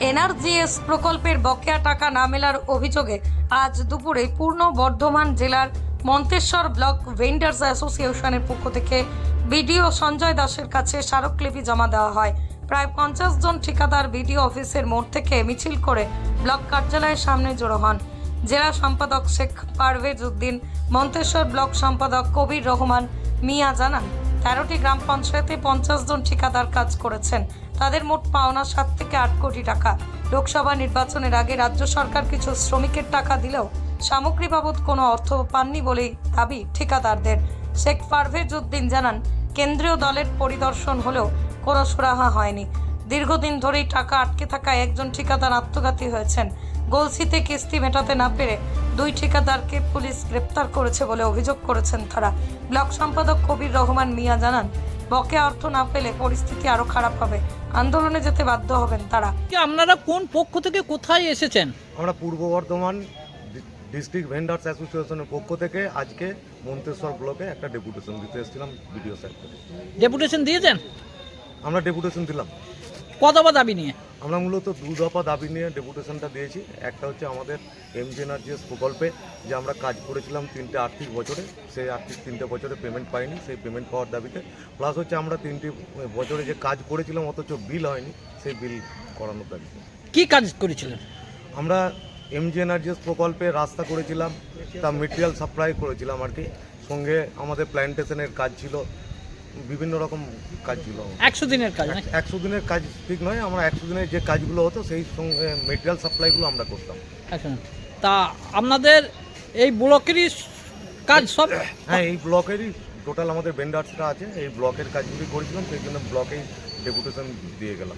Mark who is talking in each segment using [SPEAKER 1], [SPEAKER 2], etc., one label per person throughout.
[SPEAKER 1] NRGS প্রকল্পের বকেয়া টাকা না মেলার অভিযোগে আজ দুপুরে পূর্ব বর্ধমান জেলার মন্তেশ্বর ব্লক ভেন্ডার্স অ্যাসোসিয়েশনের পক্ষ থেকে বিডিও সঞ্জয় দাসের কাছে স্মারকলিপি জমা দেওয়া হয়। প্রায় 50 জন ঠিকাদার বিডিও অফিসের মোড় থেকে মিছিল করে ব্লক কার্যালয়ের সামনে জড়ো হন। জেলা সম্পাদক শেখ পারভেজ উদ্দিন, মন্তেশ্বর ব্লক সম্পাদক কবির রহমান মিয়া জানান, 13টি গ্রাম পঞ্চায়েতে 50 জন ঠিকাদার কাজ করেছেন। তাদের মোট পাওনা 7 থেকে 8 কোটি টাকা। লোকসভা নির্বাচনের আগে রাজ্য সরকার কিছু শ্রমিকের টাকা দিলেও সামগ্রী বাবদ কোনো অর্থ পাননি বলেই দাবি ঠিকাদারদের। শেখ পারভেজ উদ্দিন জানান, কেন্দ্রীয় দলের পরিদর্শন হলেও কোনো সুরাহা হয়নি। দীর্ঘদিন ধরেই টাকা আটকে থাকায় একজন ঠিকাদার আত্মঘাতী হয়েছেন। গলসিতে কিস্তি মেটাতে না পেরে 2 ঠিকাদারকে পুলিশ গ্রেপ্তার করেছে বলে অভিযোগ করেছেন তারা। ব্লক সম্পাদক কবির রহমান মিয়া জানান, বকেয়া অর্থ না পেলে পরিস্থিতি আরো খারাপ হবে, আন্দোলনে যেতে বাধ্য হবেন তারা।
[SPEAKER 2] আপনারা কোন পক্ষ থেকে কোথায় এসেছেন?
[SPEAKER 3] আমরা পূর্ব বর্ধমান ডিস্ট্রিক্ট ভেন্ডার্স অ্যাসোসিয়েশনের পক্ষ থেকে আজকে মন্তেশ্বর ব্লকে একটা ডেপুটেশন দিতে এসেছিলাম বিডিও সাহেবকে।
[SPEAKER 2] ডেপুটেশন দিয়েছেন?
[SPEAKER 3] আমরা ডেপুটেশন দিলাম।
[SPEAKER 2] কত দফা দাবি নিয়ে?
[SPEAKER 3] আমরা মূলত 2 দফা দাবি নিয়ে ডেপুটেশনটা দিয়েছি। একটা হচ্ছে আমাদের এনআরজিএস প্রকল্পে যে আমরা কাজ করেছিলাম 3টে আর্থিক বছরে, সেই আর্থিক 3টে বছরে পেমেন্ট পাইনি, সেই পেমেন্ট পাওয়ার দাবিতে। প্লাস হচ্ছে আমরা 3টে বছরে যে কাজ করেছিলাম অথচ বিল হয়নি, সেই বিল করানোর দাবিতে।
[SPEAKER 2] কি কাজ করেছিলেন?
[SPEAKER 3] আমরা এনআরজিএস প্রকল্পে রাস্তা করেছিলাম, তার মেটেরিয়াল সাপ্লাই করেছিলাম আর কি। সঙ্গে আমাদের প্ল্যান্টেশনের কাজ ছিল, বিভিন্ন রকম কাজ ছিল।
[SPEAKER 2] 100 দিনের কাজ?
[SPEAKER 3] 100 দিনের কাজ ঠিক নয়, আমরা 100 দিনের যে কাজগুলো হতো সেই সঙ্গে মেটেরিয়াল সাপ্লাইগুলো আমরা করতাম।
[SPEAKER 2] আচ্ছা, তা আপনাদের এই ব্লকেরই কাজ সব?
[SPEAKER 3] হ্যাঁ, এই ব্লকেরই টোটাল আমাদের ভেন্ডার্সরা আছে, এই ব্লকের কাজগুলি করেছিলাম, সেই জন্য ব্লকেই ডেপুটেশন দিয়ে গেলাম।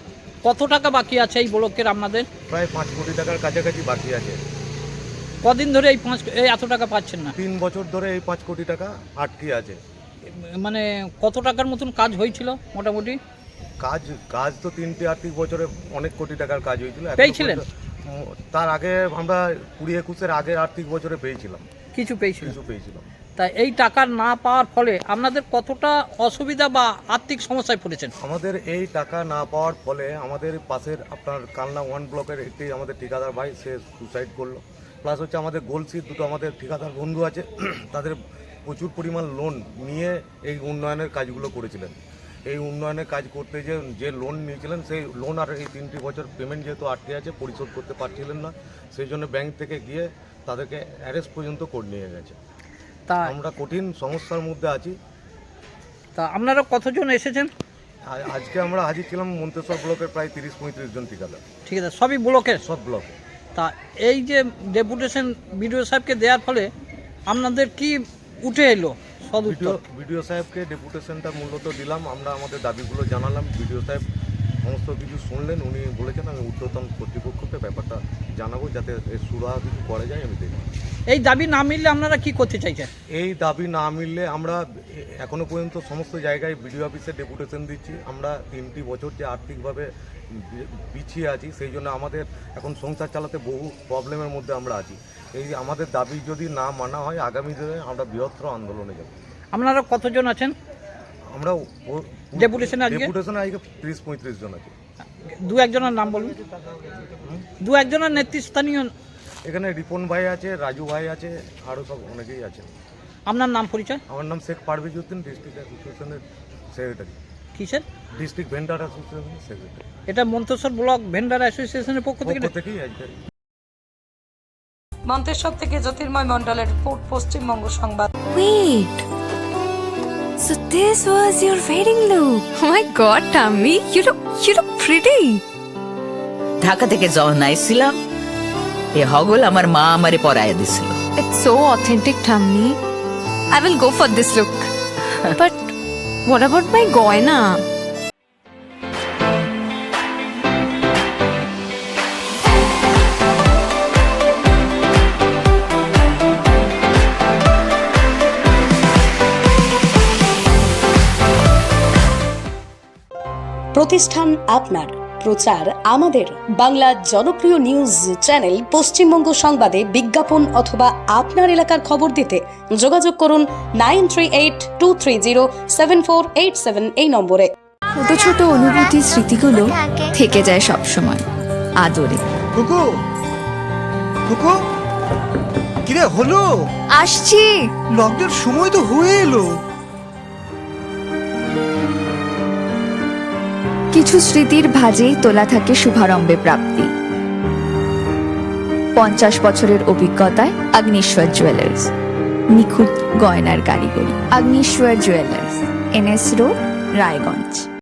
[SPEAKER 2] কত টাকা বাকি আছে এই ব্লকের আপনাদের?
[SPEAKER 3] প্রায় 5 কোটি টাকার কাছাকাছি বাকি আছে।
[SPEAKER 2] কদিন ধরে এই এত টাকা পাচ্ছেন না?
[SPEAKER 3] 3 বছর ধরে এই 5 কোটি টাকা আটকে আছে।
[SPEAKER 2] মানে কত টাকার মতন কাজ হয়েছিল মোটামুটি?
[SPEAKER 3] কাজ তো 3টে আর্থিক বছরে অনেক কোটি টাকার কাজ হয়েছিল।
[SPEAKER 2] পেয়েছিলেন?
[SPEAKER 3] তার আগে আমরা 20-21-এর আগের আর্থিক বছরে পেয়েছিলাম,
[SPEAKER 2] কিছু পেয়েছিলেন?
[SPEAKER 3] কিছু পেয়েছিলাম।
[SPEAKER 2] তা এই টাকা না পাওয়ার ফলে আপনাদের কতটা অসুবিধা বা আর্থিক সমস্যায় পড়েছেন?
[SPEAKER 3] আমাদের এই টাকা না পাওয়ার ফলে আমাদের পাশের আপনার কালনা 1 ব্লকের একটি আমাদের ঠিকাদার ভাই, সে সুসাইড করলো। প্লাস হচ্ছে আমাদের গোলসির 2টো আমাদের ঠিকাদার বন্ধু আছে, তাদের প্রচুর পরিমাণ লোন নিয়ে এই উন্নয়নের কাজগুলো করেছিলেন। এই উন্নয়নের কাজ করতে যে লোন নিয়েছিলেন, সেই লোন আর এই 3টি বছর পেমেন্ট যেহেতু আটকে আছে, পরিশোধ করতে পারছিলেন না, সেই জন্য ব্যাংক থেকে গিয়ে তাদেরকে অ্যারেস্ট পর্যন্ত করে নিয়ে গেছে।
[SPEAKER 2] তা
[SPEAKER 3] আমরা কঠিন সমস্যার মধ্যে আছি।
[SPEAKER 2] তা আপনারা কতজন এসেছেন?
[SPEAKER 3] আজকে আমরা হাজির ছিলাম মন্তেশ্বর ব্লকের প্রায় 30-35 জন ঠিকাদার। ঠিক
[SPEAKER 2] আছে, সবই ব্লকের?
[SPEAKER 3] সব ব্লকে।
[SPEAKER 2] তা এই যে ডেপুটেশন বিডিও সাহেবকে দেওয়ার ফলে আপনাদের কি উঠে এলো?
[SPEAKER 3] বিডিও সাহেবকে ডেপুটেশনটা মূলত দিলাম, আমরা আমাদের দাবিগুলো জানালাম। বিডিও সাহেব সমস্ত কিছু শুনলেন, উনি বলেছেন আমি ঊর্ধ্বতন কর্তৃপক্ষকে ব্যাপারটা জানাবো, যাতে এর সুরাহা কিছু করা যায় আমি দেখব।
[SPEAKER 2] এই দাবি না মিললে আপনারা কি করতে চাইছেন?
[SPEAKER 3] এই দাবি না মিললে আমরা এখনো পর্যন্ত সমস্ত জায়গায় বিডিও অফিসে ডেপুটেশন দিচ্ছি। আমরা 3টি বছর যে আর্থিকভাবে পিছিয়ে আছি, সেই জন্য আমাদের এখন সংসার চালাতে বহু প্রবলেমের মধ্যে আমরা আছি। এই আমাদের দাবি যদি না মানা হয়, আগামী দিনে আমরা বৃহত্তর আন্দোলনে যাব।
[SPEAKER 2] আপনারা কতজন আছেন
[SPEAKER 3] আমরা
[SPEAKER 2] ডেপুটেশনে? আজকে
[SPEAKER 3] 30-35 জন আছে।
[SPEAKER 2] 2-1 জনের নাম বলুন। 2-1 জনের নেতৃস্থানীয়?
[SPEAKER 3] এখানে রিপন ভাই আছে, রাজু ভাই আছে, আরও সব অনেকেই আছে।
[SPEAKER 2] আপনার নাম পরিচয়?
[SPEAKER 3] আমার নাম শেখ পারভেজ উদ্দিন, ডিস্ট্রিক্ট অ্যাসোসিয়েশনের সেক্রেটারি।
[SPEAKER 2] কিসের?
[SPEAKER 3] ডিস্ট্রিক্ট ভেন্ডার অ্যাসোসিয়েশনের সেক্রেটারি।
[SPEAKER 2] এটা মন্তেশ্বর ব্লক ভেন্ডার অ্যাসোসিয়েশনের পক্ষ থেকেই
[SPEAKER 3] আজকে।
[SPEAKER 1] মন্তেশ্বর থেকে জ্যোতির্ময় মণ্ডলের রিপোর্ট, পশ্চিমবঙ্গ সংবাদ।
[SPEAKER 4] Wait. So this was your wedding look. Oh my god, Tammy, you look pretty.
[SPEAKER 5] Dhaka থেকে যখন আইছিলাম, এ হগল আমার মা আমারে পরাইয়া দিছিল।
[SPEAKER 4] It's so authentic, Tammy. I will go for this look. But what about my goina?
[SPEAKER 6] প্রতিষ্ঠান আপনার, প্রচার আমাদের। বাংলা জনপ্রিয় নিউজ চ্যানেল পশ্চিমবঙ্গ সংবাদে বিজ্ঞাপন অথবা আপনার এলাকার খবর দিতে যোগাযোগ করুন 9382307487 এই নম্বরে।
[SPEAKER 4] ছোট ছোট অনুভূতি, স্মৃতিগুলো থেকে যায় সব সময়। আদরে।
[SPEAKER 7] কুকু কুকু কিরে হলো?
[SPEAKER 4] আসছি।
[SPEAKER 7] লকডাউন সময় তো হয়ে এলো।
[SPEAKER 4] কিছু স্মৃতির ভাজেই তোলা থাকে শুভারম্ভে প্রাপ্তি। 50 বছরের অভিজ্ঞতায় আগ্নেশ্বর জুয়েলার্স, নিখুঁত গয়নার কারিগরি। Agneswar jewellers, NS road, Raiganj.